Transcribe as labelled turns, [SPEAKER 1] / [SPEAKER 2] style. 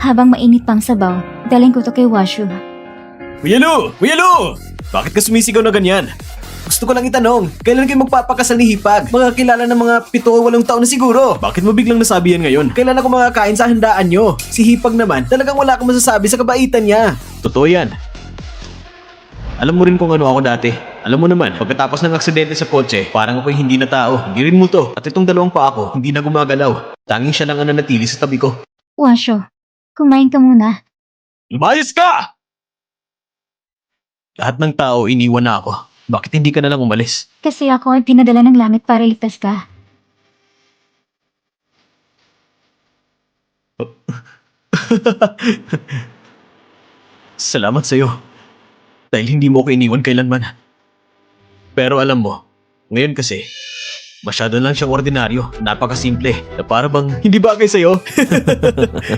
[SPEAKER 1] Habang mainit pang sabaw, dalhin ko to kay Washu.
[SPEAKER 2] Kuya Lu! Kuya Lu! Bakit ka sumisigaw na ganyan? Gusto ko lang itanong, kailan kayo magpapakasal ni Hipag? Magkakilala ng mga 7 o 8 taon na siguro. Bakit mo biglang nasabi yan ngayon? Kailan ako makakain sa handaan nyo? Si Hipag naman, talagang wala akong masasabi sa kabaitan niya. Totoo yan. Alam mo rin kung ano ako dati. Alam mo naman, pagkatapos ng aksidente sa kotse, parang ako'y hindi na tao. Hindi rin multo. At itong 2 pa ako, hindi na gumagalaw. Tanging siya lang ang nanatili sa tabi ko.
[SPEAKER 1] Washu, kumain ka muna.
[SPEAKER 2] Lumayas ka! Lahat ng tao iniwan na ako. Bakit hindi ka na lang umalis?
[SPEAKER 1] Kasi ako ay pinadala ng langit para iligtas ka.
[SPEAKER 2] Salamat sa'yo. Dahil hindi mo ako iniwan kailanman. Pero alam mo, ngayon kasi, masyado lang siyang ordinaryo, napakasimple, na para bang hindi bagay sa'yo.